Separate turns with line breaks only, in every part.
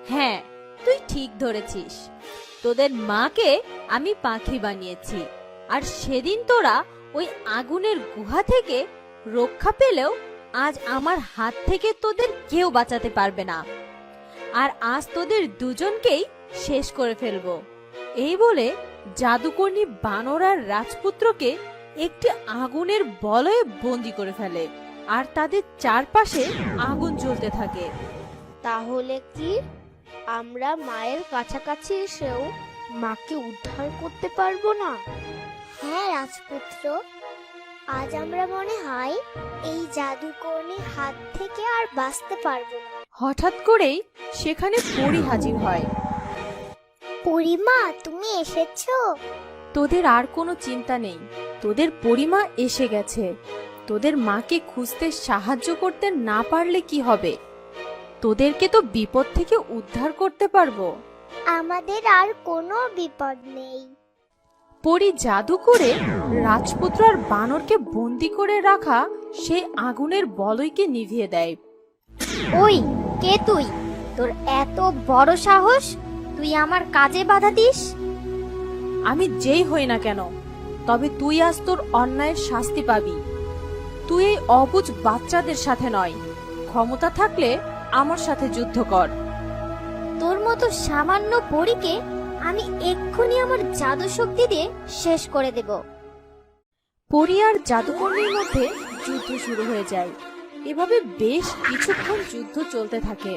হ্যাঁ, তুই ঠিক ধরেছিস। তোদের মাকে আমি পাখি বানিয়েছি, আর সেদিন তোরা ওই আগুনের গুহা থেকে রক্ষা পেলেও আজ আমার হাত থেকে তোদের কেউ বাঁচাতে পারবে না। আর আজ তোদের দুজনকেই শেষ করে ফেলবো। এই বলে জাদুকর্ণী বানর আর রাজপুত্রকে একটি আগুনের বলয়ে বন্দি করে ফেলে, আর তাদের চারপাশে আগুন জ্বলতে থাকে।
তাহলে কি আমরা মায়ের কাছাকাছি এসেও মাকে উদ্ধার করতে পারবো না?
হ্যাঁ রাজপুত্র, আজ আমরা মনে হয় এই জাদুকর্ণীর হাত থেকে আর বাঁচতে পারবো না।
হঠাৎ করেই সেখানে পরী হাজির হয়।
পরিমা, তুমি এসেছো?
তোদের আর কোনো চিন্তা নেই, তোদের পরিমা এসে গেছে। তোদের মাকে খুঁজতে সাহায্য করতে না পারলে কি হবে? তোদেরকে তো বিপদ থেকে উদ্ধার করতে পারবো।
আমাদের আর কোনো বিপদ নেই।
পরী জাদু করে রাজপুত্র আর বানরকে বন্দি করে রাখা সেই আগুনের বলয়কে নিভিয়ে দেয়।
ওই কে তুই? তোর এত বড় সাহস, তুই আমার কাজে বাধা দিস?
আমি যেই হই না কেন, তবে তুই আজ তোর অন্যায়ের শাস্তি পাবি। তুই এই অবুঝ বাচ্চাদের সাথে নয়, ক্ষমতা থাকলে আমার সাথে যুদ্ধ কর।
তোর মতো সামান্য পরীকে আমি এক্ষুনি আমার জাদু শক্তি দিয়ে শেষ করে দেব।
পরী আর জাদুকর্ণীর মধ্যে যুদ্ধ শুরু হয়ে যায়। এভাবে বেশ কিছুক্ষণ যুদ্ধ চলতে থাকে।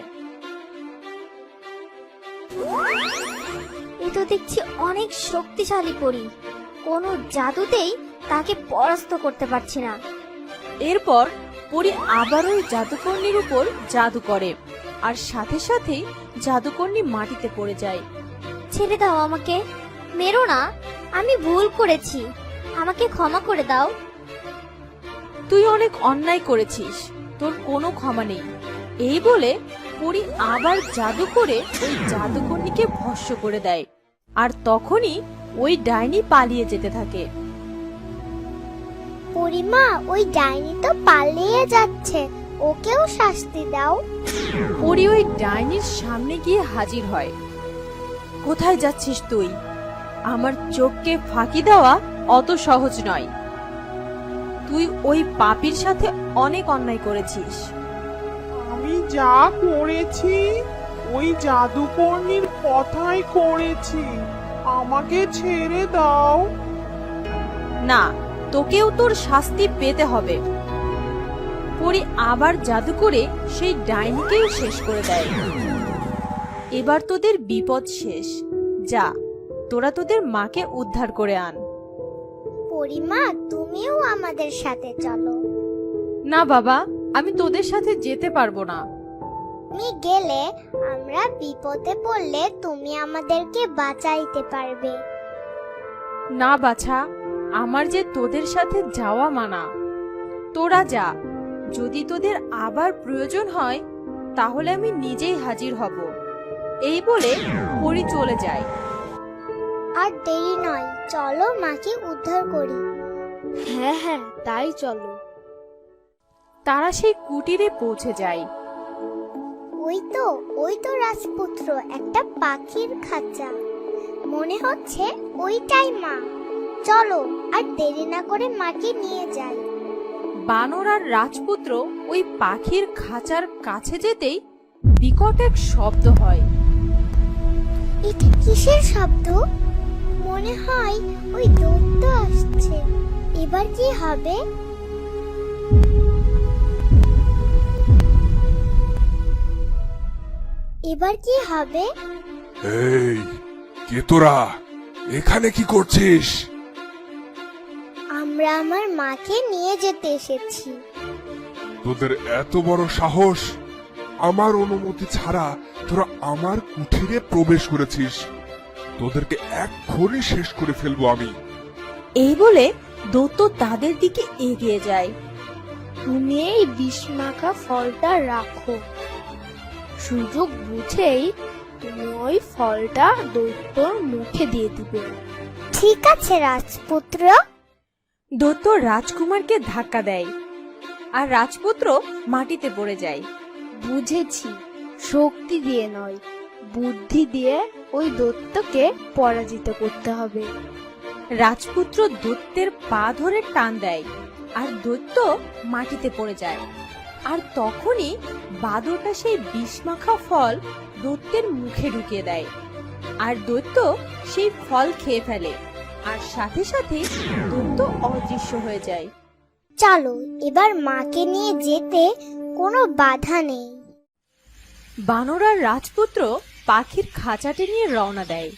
এ তো দেখছি অনেক শক্তিশালী পরী, কোনো জাদুতেই তাকে পরাস্ত করতে পারছি না।
এরপর পরী আবার ওই জাদুকর্ণীর উপর জাদু করে, আর সাথে সাথেই জাদুকর্ণী মাটিতে পড়ে যায়।
ছেড়ে দাও আমাকে, মেরো না, আমি ভুল করেছি, আমাকে ক্ষমা করে দাও।
তুই অনেক অন্যায় করেছিস, তোর কোনো ক্ষমা নেই। এই বলে পরী আবার জাদু করে ওই জাদুকর্ণীকে ভস্ম করে দেয়, আর তখনই ওই ডাইনি পালিয়ে যেতে থাকে।
পরিমা, ওই ডাইনি তো পালিয়ে যাচ্ছে, ওকেও শাস্তি দাও।
পরী ওই ডাইনির সামনে গিয়ে হাজির হয়। কোথায় যাচ্ছিস তুই? আমার চোখকে ফাঁকি দেওয়া অত সহজ নয়। তুই ওই পাপীর সাথে অনেক অন্যায় করেছিস।
আমি যা করেছি ওই জাদুকর্ণীর কথাই করেছি, আমাকে ছেড়ে দাও।
না, তোকেও তোর শাস্তি পেতে হবে। পরী আবার জাদু করে সেই ডাইনিকেও শেষ করে দেয়। এবার তোদের বিপদ শেষ। যা, তোরা তোদের মাকে উদ্ধার করে আন।
পরিমা, তুমিও আমাদের সাথে চলো।
না বাবা, আমি তোদের সাথে যেতে পারবো না।
তুমি গেলে আমরা বিপদে পড়লে তুমি আমাদেরকে বাঁচাইতে পারবে।
না বাছা, আমার যে তোদের সাথে যাওয়া মানা। তোরা যা, যদি তোদের আবার প্রয়োজন হয় তাহলে আমি নিজেই হাজির হব। এই বলে পরী চলে যায়।
আর দেরি নয়, চলো মাকে উদ্ধার করি।
হ্যাঁ হ্যাঁ, তাই চলো।
তারা সেই কুটিরে পৌঁছে যায়।
ওই তো রাজপুত্র, একটা পাখির খাঁচা। মনে হচ্ছে ওইটাই মা। চলো আর দেরি না করে মাকে নিয়ে যাই।
বানর আর রাজপুত্র ওই পাখির খাঁচার কাছে যেতেই বিকট এক শব্দ হয়।
এটা কিসের শব্দ? মনে হয় ওই দৈত্য আসছে। এবার কি হবে? এবার কি হবে?
এই, কে তোরা? এখানে কি করছিস?
আমরা আমার মাকে নিয়ে যেতে এসেছি।
তোদের এত বড় সাহস! আমার অনুমতি ছাড়া তোরা আমার কুঠিরে প্রবেশ করেছিস। তোদেরকে এক্ষুনি শেষ করে ফেলবো আমি।
এই বলে দৈত্য তাদের দিকে এগিয়ে যায়।
তুমি এই বিষমাখা ফলটা রাখো, সুযোগ বুঝেই তুমি ওই ফলটা দৈত্যর মুখে দিয়ে দিবে।
ঠিক আছে রাজপুত্র।
দৈত্য রাজকুমারকে ধাক্কা দেয়, আর রাজপুত্র মাটিতে পড়ে যায়।
বুঝেছি, শক্তি দিয়ে নয়, বুদ্ধি দিয়ে ওই দৈত্যকে পরাজিত করতে হবে।
রাজপুত্র দৈত্যের পা ধরে টান দেয় আর দৈত্য মাটিতে পড়ে যায়। আর তখনই বাদরটা সেই বিষমাখা ফল দৈত্যের মুখে ঢুকিয়ে দেয় আর দৈত্য সেই ফল খেয়ে ফেলে আর সাথে সাথে দৈত্য অদৃশ্য হয়ে যায়।
চলো এবার মাকে নিয়ে যেতে কোনো বাধা নেই।
বানর আর রাজপুত্র পাখির খাঁচাটি নিয়ে রওনা দেয়।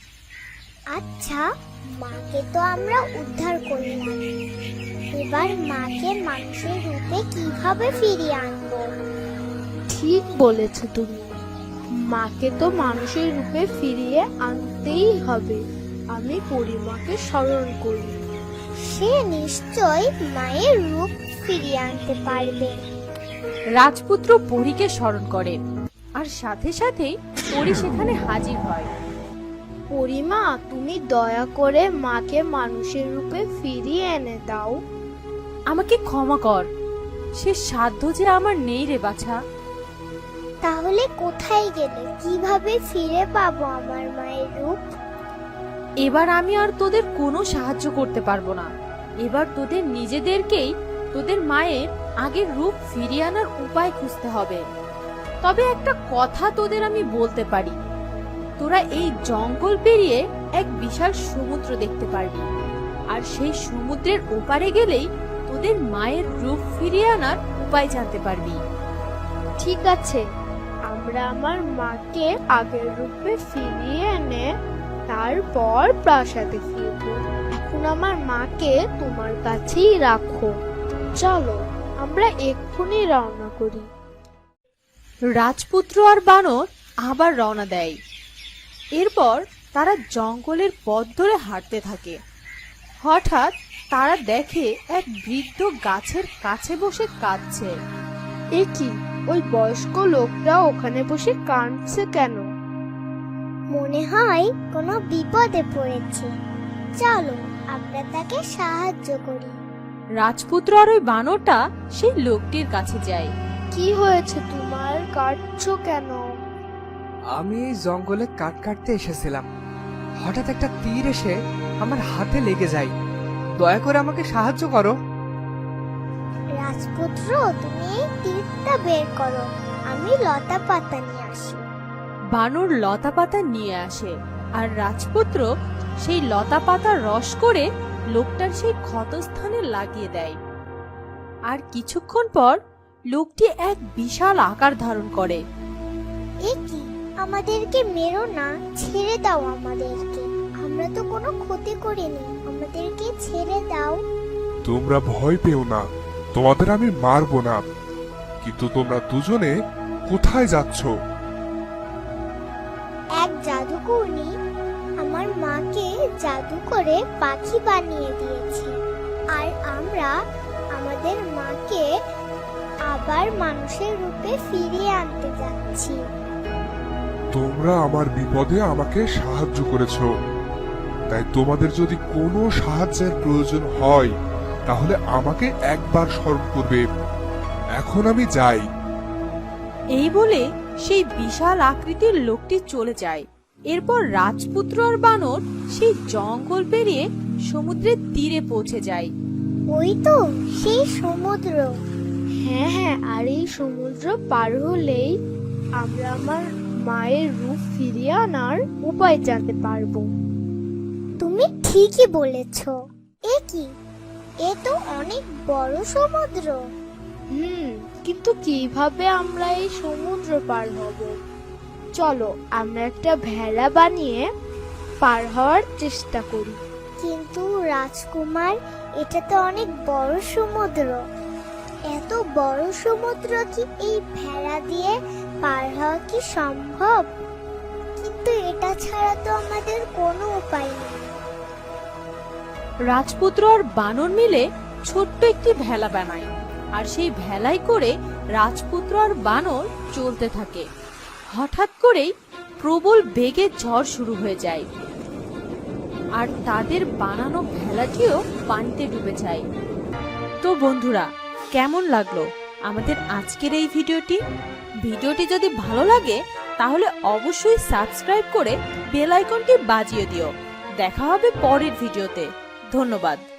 আচ্ছা, মাকে তো আমরা উদ্ধার করলাম, এবার মাকে মানুষের রূপে কিভাবে ফিরিয়ে আনবো?
ঠিক বলেছ তুমি, মাকে তো মানুষের রূপে ফিরিয়ে আনতেই হবে। আমি পরিমাকে স্মরণ করি।
সে নিশ্চয় মায়ের রূপ ফিরিয়ে আনতে পারবে।
রাজপুত্র পরীকে স্মরণ করে আর সাথে সাথেই পরী সেখানে হাজির হয়।
পরিমা, তুমি দয়া করে মাকে মানুষের রূপে ফিরিয়ে এনে দাও।
আমাকে ক্ষমা কর, সে সাধ্য যে আমার নেই রে বাছা।
তাহলে কোথায় গেলে কিভাবে ফিরে পাবো আমার মায়ের রূপ?
এবার আমি আর তোদের কোনো সাহায্য করতে পারবো না। এবার তোদের নিজেদেরকেই তোদের মায়ের আগের রূপ ফিরিয়ে আনার উপায় খুঁজতে হবে। তবে একটা কথা তোদের আমি বলতে পারি, তোরা এই জঙ্গল পেরিয়ে এক বিশাল সমুদ্র দেখতে পারবি, আর সেই সমুদ্রের ওপারে গেলেই তোদের মায়ের রূপ ফিরিয়ে আনার উপায় জানতে পারবি।
ঠিক আছে, আমরা আমার মাকে আগের রূপে ফিরিয়ে এনে তারপর প্রাসাদে ফিরব। এখন আমার মাকে তোমার কাছেই রাখো। চলো আমরা এক্ষুনি রওনা করি।
রাজপুত্র আর বানর আবার রওনা দেয়। এরপর তারা জঙ্গলের পথ ধরে হাঁটতে থাকে। হঠাৎ তারা দেখে এক বৃদ্ধ গাছের কাছে বসে কাঁদছে।
এ কি, ওই বয়স্ক লোকটা ওখানে বসে কাঁদছে কেন?
মনে হয় কোনো বিপদে পড়েছে। চলো আমরা তাকে সাহায্য করি।
রাজপুত্র আর ওই বানরটা সেই লোকটির কাছে যায়।
কি হয়েছে তোমার, কাঁদছো কেন?
আমি এই জঙ্গলে কাঠ কাটতে এসেছিলাম, হঠাৎ একটা তীর এসে আমার হাতে লেগে যায়। দয়া করে আমাকে সাহায্য করো।
রাজপুত্র, তুমি এই তীরটা বের করো, আমি লতা পাতা নিয়ে আসি।
বানর লতা পাতা নিয়ে আসে আর রাজপুত্র সেই লতা পাতা রস করে লোকটার সেই ক্ষতস্থানে লাগিয়ে দেয়। আর কিছুক্ষণ পর লোকটি এক বিশাল আকার ধারণ করে।
এ কি, আমাদেরকে মেরো না, ছেড়ে দাও আমাদেরকে। আমরা তো কোনো ক্ষতি করিনি, আমাদেরকে ছেড়ে দাও।
তোমরা ভয় পেও না, তোমাদের আমি মারবো না। কিন্তু তোমরা দুজনে কোথায় যাচ্ছ?
এক জাদুকর্ণী আমার মাকে জাদু করে পাখি বানিয়ে দিয়েছে, আর আমরা আমাদের মাকে আবার মানুষের রূপে ফিরিয়ে আনতে যাচ্ছি।
তোমরা আমার বিপদে আমাকে সাহায্য করেছো, তাই তোমাদের যদি কোনো সাহায্যের প্রয়োজন হয় তাহলে আমাকে একবার স্মরণ করবে। এখন আমি যাই।
এই বলে সেই বিশাল আকৃতির লোকটি চলে যায়। এরপর রাজপুত্র আর বানর সেই জঙ্গল পেরিয়ে সমুদ্রের তীরে পৌঁছে যায়।
ওই তো সেই সমুদ্র।
হ্যাঁ হ্যাঁ, আর এই সমুদ্র পার হলেই আমরা আমার মায়ের রূপ ফিরিয়ে আনার উপায় জানতে পারবো।
তুমি ঠিকই বলেছ। এ কি, এ তো অনেক বড় সমুদ্র।
কিন্তু কিভাবে আমরা এই সমুদ্র পার হব? চলো আমরা একটা ভেলা বানিয়ে পার হওয়ার চেষ্টা করি।
কিন্তু রাজকুমার, এটা তো অনেক বড় সমুদ্র। এত বড় সমুদ্র কি এই ভেড়া দিয়ে পার হওয়া কি সম্ভব? কিন্তু এটা ছাড়া তো আমাদের কোনো উপায় নেই।
রাজপুত্র আর বানর মিলে ছোট্ট একটি ভেলা বানায় আর সেই ভেলায় করে রাজপুত্র আর বানর চলতে থাকে। হঠাৎ করেই প্রবল বেগে ঝড় শুরু হয়ে যায় আর তাদের বানানো ভেলাটিও পানিতে ডুবে যায়। তো বন্ধুরা, কেমন লাগলো আমাদের আজকের এই ভিডিওটি? ভিডিওটি যদি ভালো লাগে তাহলে অবশ্যই সাবস্ক্রাইব করে বেল আইকনটি বাজিয়ে দিও। দেখা হবে পরের ভিডিওতে। ধন্যবাদ।